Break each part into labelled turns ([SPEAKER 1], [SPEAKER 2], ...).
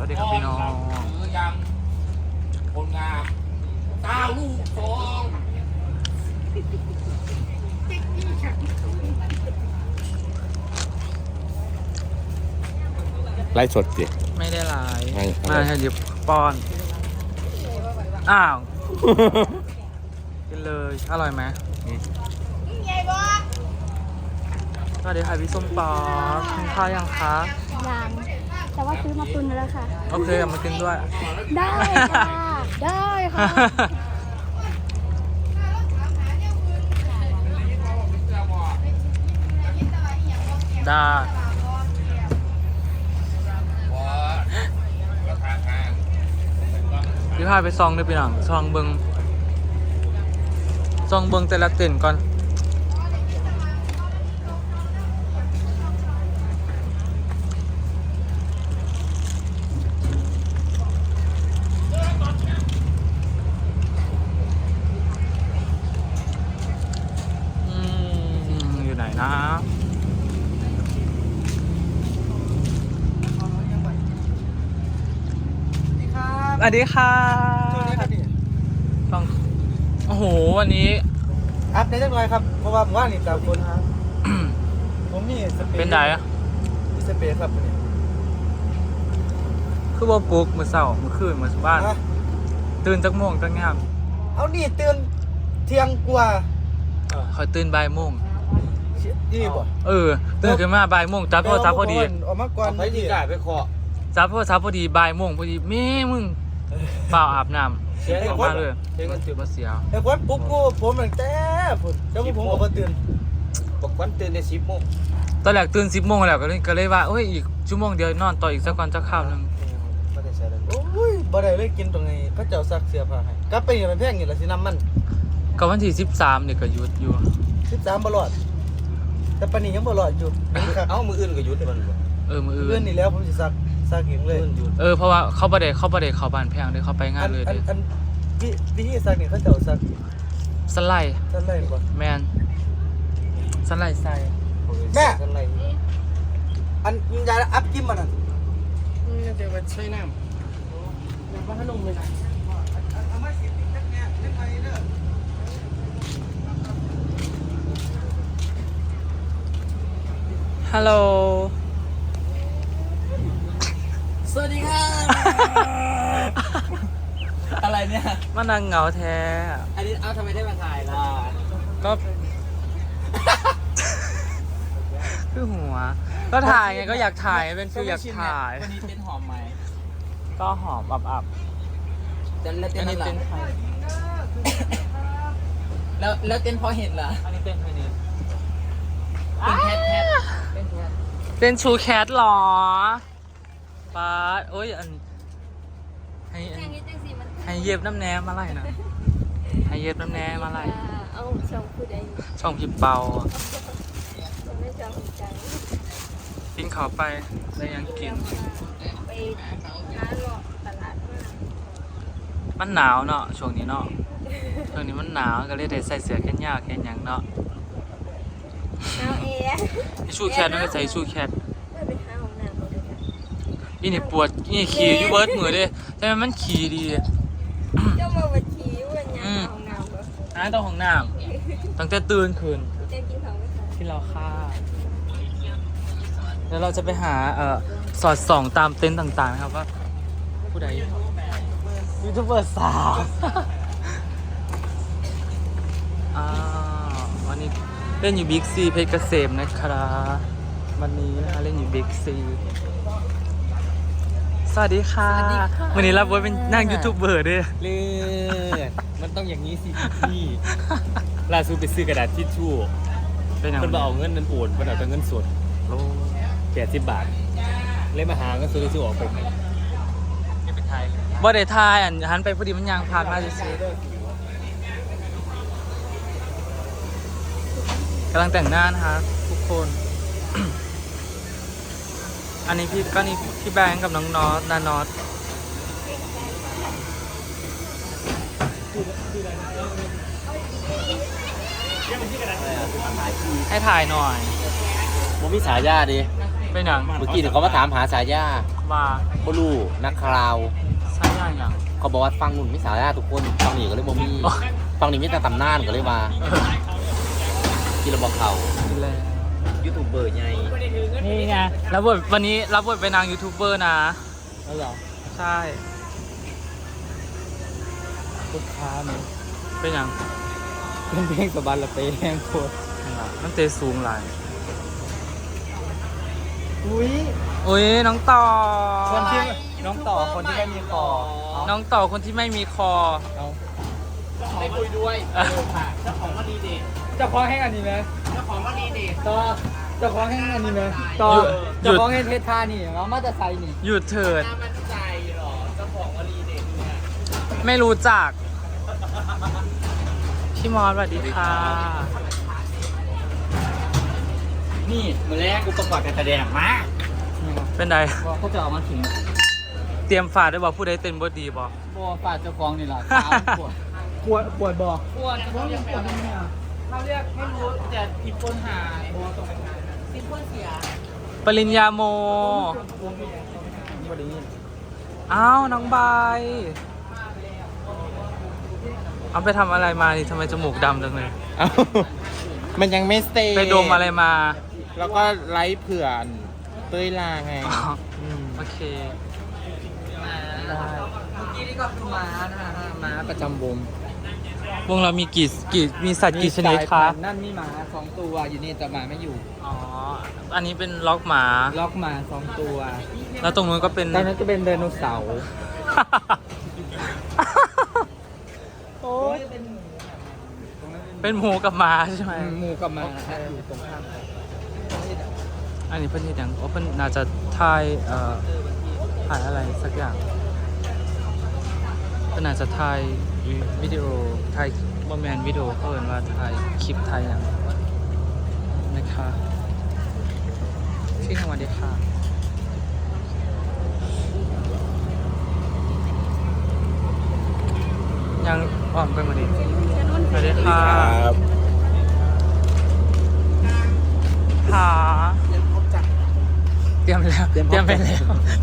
[SPEAKER 1] วัสดีครับพี่น้อง
[SPEAKER 2] ยังคนงามตาลูกสองไล่สดสิ
[SPEAKER 1] ไม่ได้ไลฟ์
[SPEAKER 2] ไม่
[SPEAKER 1] มาให้หยิบป้อน อ้าว กินเลย อร่อยไหมสวัสดีค่ะพี่ส้มป๊อกกินข้าวยังคะ
[SPEAKER 3] ยังแต่ว่าซื้อมาตุนแล้วค่ะ
[SPEAKER 1] โอเคเอามากินด้วย
[SPEAKER 3] ได้ค่ะ ได้ค่ะ
[SPEAKER 1] ได้พี่พาไปซองด้วยพี่หนังซองเบิงแต่ละเต้นก่อนอยู่ไหนนะสวัสดีค่ะต้องโอ้โหวันนี้
[SPEAKER 4] อัพได้จังเลยครับเพราะว่าผมว่านี่แต่คนครับผมนี่สเปรย์
[SPEAKER 1] เป็นไดอะ
[SPEAKER 4] มีสเปรย์ครับนี่
[SPEAKER 1] คือว่าปลุกมือเสาร์มือคืนมือบ้าน
[SPEAKER 4] ฮะ
[SPEAKER 1] ตื่นจักโมงจักงาม
[SPEAKER 4] เอานี่ตื่นเที่ยงกว่า
[SPEAKER 1] คอยตื่นบ่ายโมง
[SPEAKER 4] ดีบ่
[SPEAKER 1] ตื่นขึ้นมาบ่ายโมงจับโทรศัพท์พอดี
[SPEAKER 4] ออกมาก่อน
[SPEAKER 2] ไปที่กายไปเคาะ
[SPEAKER 1] จับโทรศัพท์พอดีบ่ายโมงพอดีแม่มึงเปล่าอาบน้ำ
[SPEAKER 2] เสีย
[SPEAKER 1] ออกมาเลย
[SPEAKER 2] เสียเงินจืด
[SPEAKER 1] มาเสีย
[SPEAKER 4] แต่คนปลุ๊กกูผมตั้งแต่พุ่นแล้วผมก็บ่ตื่น
[SPEAKER 2] บอกวันตื่นใน10 โมง
[SPEAKER 1] ตอนแรกตื่น10 โมงแล้วก็เลยว่าเอ้ยอีกชั่วโมงเดียวนอนต่ออีกสักก่อนจะข้าวนึง
[SPEAKER 2] ไม่ได้ใช้เลย
[SPEAKER 4] โอ้ยบ่ได้เลยกินตรงนี้เขาเจ้าซักเสื้อผ้าให้กลับไปนี่มันแพงนี่ล่ะสิน้ำมัน
[SPEAKER 1] ก็วันที่13เนี่ยก็หยุดอยู่
[SPEAKER 4] 13บ่รอดแต่ปานนี้ยังบ่รอดอยู่ครับ
[SPEAKER 2] เอ้ามืออื่นก็หยุดมัน
[SPEAKER 1] มือ
[SPEAKER 4] เพื่
[SPEAKER 1] อื่
[SPEAKER 4] อน
[SPEAKER 1] น
[SPEAKER 4] นี่แล้วผมสิซักเองเลย
[SPEAKER 2] หยุด
[SPEAKER 1] เพราะว่าเขาบ่ได้เข้าบ้านแพงเลยเขาไปงานเลยเด้
[SPEAKER 4] อันวิธีซักนี่เขาเจ้าซัก
[SPEAKER 1] สไลด์
[SPEAKER 4] ซั่นเลยบ่
[SPEAKER 1] แมนสไลด์ใส่
[SPEAKER 4] แม่
[SPEAKER 2] อะไร
[SPEAKER 4] อันยาอัพกิมมันน่ะ
[SPEAKER 2] เดี๋ยวไปใช้น้ำยังว่าให้ลงเลย
[SPEAKER 4] เอามาสิจักแง่เล่นไปเด้อ
[SPEAKER 1] ฮัลโหล
[SPEAKER 2] สวัสดีค่ะอะไรเนี่ย
[SPEAKER 1] มานั่งเหงาแท้
[SPEAKER 2] อันนี้เอาทำไมได้มาถ่ายล่ะ
[SPEAKER 1] ก็ คือหัว ก็ถ่ายไงก็อยากถ่ายเป็นฟิลอยากถ่าย
[SPEAKER 2] วันนี้เป็นหอมไหม
[SPEAKER 1] ก็หอมอับ
[SPEAKER 2] แล้ว
[SPEAKER 1] ๆ
[SPEAKER 2] เต้
[SPEAKER 1] อั
[SPEAKER 2] น
[SPEAKER 1] น
[SPEAKER 2] อะ
[SPEAKER 1] นี้
[SPEAKER 2] ไร
[SPEAKER 1] เป็นใคร
[SPEAKER 2] แล้วเต้นพอเห็นเหรอ
[SPEAKER 1] อันนี้เป็นใครนี่
[SPEAKER 2] เป็นแคทเป็นแคท
[SPEAKER 1] เป็นชูแคทหรอป๊าดโอ้ยให้เย็บน้ำแหนมอะไรนะให้เย็บน้ำแหนมอะไร
[SPEAKER 3] เอาช่องผู้ใด
[SPEAKER 1] ช่องพิมพ์เปา
[SPEAKER 3] ไม่จำใจ
[SPEAKER 1] กินข้าวไปได้ยังกิน
[SPEAKER 3] ไปหาหลอกตลาดมาก
[SPEAKER 1] มันหนาวเนาะช่วงนี้เนาะช่วงนี้มันหนาวก็เลยได้ใส่เสื้อแขนยาวแขนหยังเนาะ
[SPEAKER 3] เอาเอ๋
[SPEAKER 1] ชูแคทนั่นก็ใส่ชูแคท
[SPEAKER 3] ไม่ไปหาห้องน้ำเขาด้วยกัน
[SPEAKER 1] นี่นี่ปวดนี่ขี่อยู่เบิร์ดมือเด้ใช่ไหมมันขี่ดี
[SPEAKER 3] เจ้ามาบัญชีวันยังหาห้องน้ำเหรอ
[SPEAKER 1] น้าต้องของน้ำตั้งแต่ตื่นคืน
[SPEAKER 3] เจ๊กินของไหมคะ
[SPEAKER 1] ที่เราฆ่าแล้วเราจะไปหาสอดส่องตามเต็นท์ต่างๆนะครับว่าผู้ใดยูทูบเบอร์สาววันนี้เล่นอยู่บิ๊กซีเพชรเกษมนะครับวันนี้นะคะเล่นอยู่บิ๊กซีสวัสดีค่ะวันนี้รับบทเป็นนั่งยูทูบเบอร์ด้วย
[SPEAKER 2] เลือดมันต้องอย่างนี้สิพี่ล่าสุดไปซื้อกระดาษทิชชู่
[SPEAKER 1] เป็นอย่าง
[SPEAKER 2] มันมาเอาเงินนั้นโอนมันเอาแต่เงินสด80 บาทเลยมาหาเงินสดที่ออกไปไหนไม่เป็นไทย
[SPEAKER 1] บ่ได้ทายหันไปพอดีมันยางผ่านมาซื้อกำลังแต่งหน้านะคะทุกคน อันนี้พี่แบงค์กับน้องนอตนานอตให้ถ่ายหน่อย
[SPEAKER 2] ผมมีฉายาดิ
[SPEAKER 1] เป็นหยัง
[SPEAKER 5] เมื่อกี้เขามาถามหาสายา
[SPEAKER 1] ว่า
[SPEAKER 5] บลูนักคราว
[SPEAKER 1] ใช่ยังยัง
[SPEAKER 5] เขาบอกว่าฟังนุ่นมิสายาทุกคนฟังนี่ก็เลยบ่มี
[SPEAKER 1] อ๋อ
[SPEAKER 5] ฟังนี่มีแต่ตำนานก็เลยมาที่เราบอกเขา
[SPEAKER 1] กินแล้ว
[SPEAKER 5] ยูทูบเบอร์ไง
[SPEAKER 1] นี่ไงรับบทวันนี้รับบทเป็นนางยูทูบเบอร์นะ
[SPEAKER 4] แล้วเหรอ
[SPEAKER 1] ใช่
[SPEAKER 4] ลูกค้าเนี่ย
[SPEAKER 1] เป็นหยัง
[SPEAKER 4] เป็นเพลงสบายละเปแห้งโคตร
[SPEAKER 1] มันเตะสูงหลาย
[SPEAKER 4] อุ้ย
[SPEAKER 1] อุ้ยน้องต่อ
[SPEAKER 4] คนที่น้องต่อคนที่ไม่มีคอ
[SPEAKER 1] น้องต่อคนที่ไม่มีคอ
[SPEAKER 4] เอา
[SPEAKER 5] ไม่คุยด้วย
[SPEAKER 4] เจ้าของแห้งอันนี้ไหมต่อเจ้าของแห้งอันนี้ไหมต่อ
[SPEAKER 1] หยุด
[SPEAKER 4] เจ้าของแห้งเทศท่านี่เรามาจะใส่นี่
[SPEAKER 1] หยุดเถิดไม่รู้จัก พี่มอสสวัสดีค่ะ
[SPEAKER 4] นี่มือแรกอุปกรณ์การแสดงมา
[SPEAKER 1] เป็นได
[SPEAKER 4] เขาจะเอามาถึง
[SPEAKER 1] เตรียมฝาดด้วยบอกผู้ใดเต้นบดดีบอก
[SPEAKER 4] บัวฝาดเจ้าของนี่แหละปวดปวดบ่ปวดปวดปวดเนี่ยเขาเรียกไม่รู้แต่อีกคนหาบัวตรงไหนซิมเปิลเสีย
[SPEAKER 1] ปริญญาโม อ้าว น้องใบเอาไปทำอะไรมานี่ทำไมจมูกดำจังเลย
[SPEAKER 5] มันยังไม่สเตย์
[SPEAKER 1] ไปดมอะไรมา
[SPEAKER 5] แล้วก็ไลฟ์เผื่อนเต้ยลาไง
[SPEAKER 1] อ๋อโอเค ได้
[SPEAKER 4] เมื่อกี้นี่ก็คือม้านะฮะม้าประจำวง
[SPEAKER 1] วงเรามีมีสัตว์กี่ชนิดคะ
[SPEAKER 4] นั่นมีหมา2ตัวอยู่นี่แต่หมาไม่อยู่
[SPEAKER 1] อ๋อ อันนี้เป็นล็อกหมา
[SPEAKER 4] ล็อกหมา2ตัว
[SPEAKER 1] แล้วตรงนู้นก็เป็น
[SPEAKER 4] ตอนนั้นจะเป็นไดโนเสาร์
[SPEAKER 1] โอ้ยเป็นหมูกับหมาใช่ไหม
[SPEAKER 4] หมูกับหมาอยู่ตรงข้ามกัน
[SPEAKER 1] อันนี้เพื่อนที่ยังโอ้เพื่อนน่าจะถ่ายถ่ายอะไรสักอย่างเพื่อนน่าจะถ่ายวิดีโอถ่ายบอมแมนวิดีโอเขาเอินว่าถ่ายคลิปถ่ายอย่างนะคะที่ทำวันดีค่ะยังอ่อมไปมาดิสวัสดีค่ะค่ะเตรียมแล้ว เตรียมไปแล้ว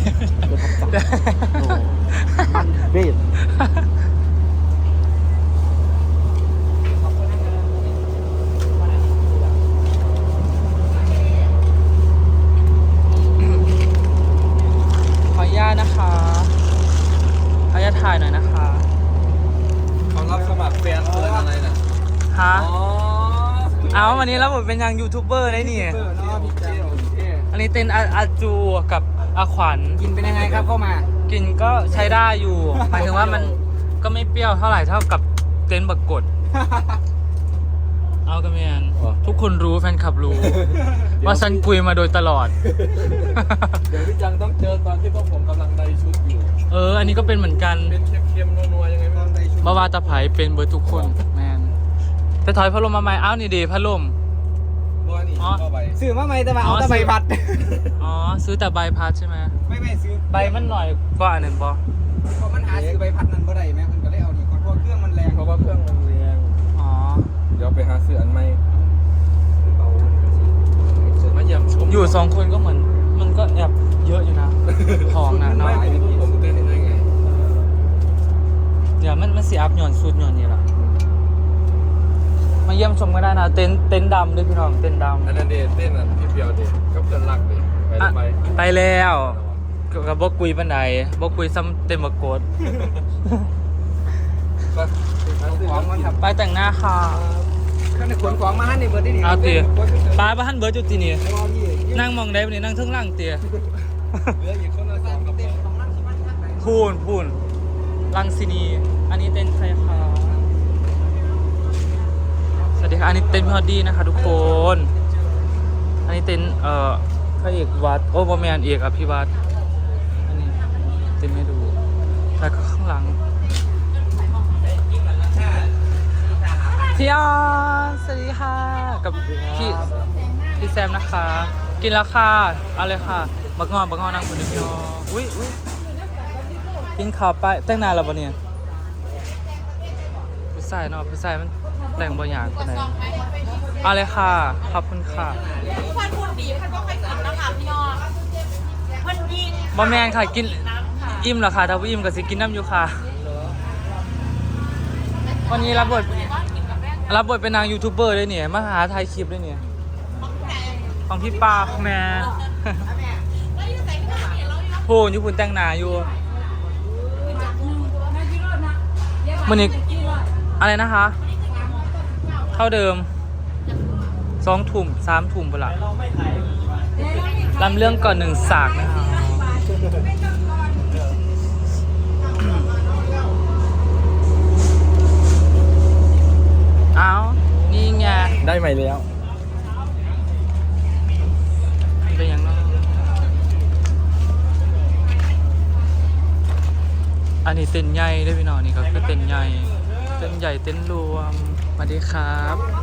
[SPEAKER 4] เบ็ด
[SPEAKER 1] ขออนุญาตนะคะขออนุญาตถ่ายหน่อยนะคะ
[SPEAKER 4] เขารับสมัครแฟนเพื่อนอะไรน่ะ
[SPEAKER 1] ฮะเอาวันนี้แล้วผมเป็นยังยูทูบเบอร์ได้นี่
[SPEAKER 4] เนาะพี่เจ้าโอเค
[SPEAKER 1] อันนี้เต้นอาจูกับอาขวัญ
[SPEAKER 4] กินเป็นยังไงครับเข้ามา
[SPEAKER 1] กินก็ใช้ได้อยู่ หมายถึงว่ามันก็ไม่เปรี้ยวเท่าไหร่เท่ากับเต้นบักกด เอากันเมียนทุกคนรู้แฟนคลับรู้ ว่าฉันคุยมาโดยตลอด
[SPEAKER 4] เดี๋ยวพี่จังต้องเจอตอนที่พวกผมกำลังได้ชุดอยู่
[SPEAKER 1] อันนี้ก็เป็นเหมือนกัน
[SPEAKER 4] เป็นเค็มๆนัวๆยังไงบ้างได้ชุด
[SPEAKER 1] บาวาตาไผเป็นเบอร์ทุกคนแมนไปถอยพัดลมมาใหม่อ้าวนี่ดีพัดลม
[SPEAKER 4] บัวนี่
[SPEAKER 1] อ๋อ
[SPEAKER 4] ก็ใบซื้อมาไหมแต่ว่าเอาแต่ใบพัด
[SPEAKER 1] อ๋อซื้อแต่ใบพัดใช่ไหม
[SPEAKER 4] ไม่ซื้อ
[SPEAKER 1] ใบมันหน่อยกว่าอันนั้นปะ
[SPEAKER 4] เพราะมันหาซื้อใบพัดนั้นบ่ได้แม่มันก็เลยเอานี่ก่อนเพราะเครื่องมันแรงเพราะว่าเครื่องมันแรง
[SPEAKER 1] อ๋อ
[SPEAKER 4] เดี๋ยวไปหาซื้ออันใหม่
[SPEAKER 1] มาเยี่ยมชมอยู่สองคนก็เหมือนมันก็แอบเยอะอยู่นะ ของนะเนาะ
[SPEAKER 4] ไม่ผมเต้นได้ไง
[SPEAKER 1] เดี๋ยวมันสีอัพหย่อนสุดหย่อนนี่แหละมาเยี่ยมชมก็ได้นะเต็นท์ดำด้วยพี่น้องเต็นท์ดำ
[SPEAKER 4] อันนั้นเดเต้นอันพี่เปียวเดกับเพื่อนรักเดไป
[SPEAKER 1] อ่ะ
[SPEAKER 4] ไป
[SPEAKER 1] ไปแล้วกับบอกคุยปันใดบอกคุยซ้ำเต็มบกโกด
[SPEAKER 4] ก็ของมันครับ
[SPEAKER 1] ไปแต่งหน้าค่ะ
[SPEAKER 4] ข้างในขนของมาให้ในเบอร์ที่นี่
[SPEAKER 1] เอาเตี๋ยป้าบ้านเบิร์ดจุดจีนี่นั่งมองได้ปะนี่นั่งเทึ่งล่างเตี๋ย
[SPEAKER 4] เหลืออีกคนละ3กับ
[SPEAKER 1] พูนลังซินีอันนี้เต้นใครคะสวัสดีค่ะอันนี้เต้นพี่ฮอดดี้นะคะทุกคนอันนี้เต้นพระเอกวัดโอ้บอแมนเอกอภิวัตรอันนี้เต้นให้ดูแล้วก็ข้างหลังพี่ออนสวัสดีค่ะกับพี่แซมนะคะ กินแล้วค่ะเอาเลยค่ะบักงอนนั่งคนเดียวพี่ออนอุ้ยกินข้าวไปแต่งนานแล้วปะเนี่ยผู้ชายเนาะผู้ชายมันแต่งบางอย่างคนไหนเอาเลยค่ะ ขอบคุณค่ะ
[SPEAKER 3] ควันพูดดีพันก็ค่อยกินนะคะพี่น้องมันยิง
[SPEAKER 1] บะแมนค่ะกินอิ่มเหรอคะถ้าว่าอิ่มก็สิกินน้ำอยู่ค่ะ วันนี้รับบทเป็นนางยูทูบเบอร์ด้วยเนี่ยมาหาถ่ายคลิปด้วยเนี่ยของพี่ปาแม่พูนอยู่พูนแต่งหนาอยู่วันนี้อะไรนะคะเท่าเดิม2 ถุ่ม3 ถุ่มไปละลำเรื่องก่อน1 สากนะคะเอานี่ไง
[SPEAKER 2] ได้ใหม่แล้ว
[SPEAKER 1] เป็นยังไงอันนี้เต้นใหญ่ด้วยพี่น้องนี่ก็คือเต้นใหญ่เต้นใหญ่เต้นรวมสวัสดีครับ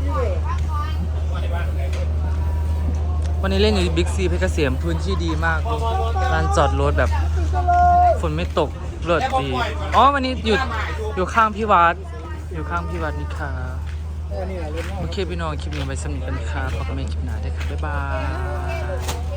[SPEAKER 1] วันนี้เล่นอยู่บิ๊กซีเพชรเกษมพื้นที่ดีมากลานจอดรถแบบฝนไม่ตกเลิศดีอ๋อวันนี้อยู่ข้างพี่วัดนี่ค่ะโอเคพี่น้องคลิปนี้ไว้สำหรับกันครับพบกันใหม่คลิปหน้าได้ครับบ๊ายบาย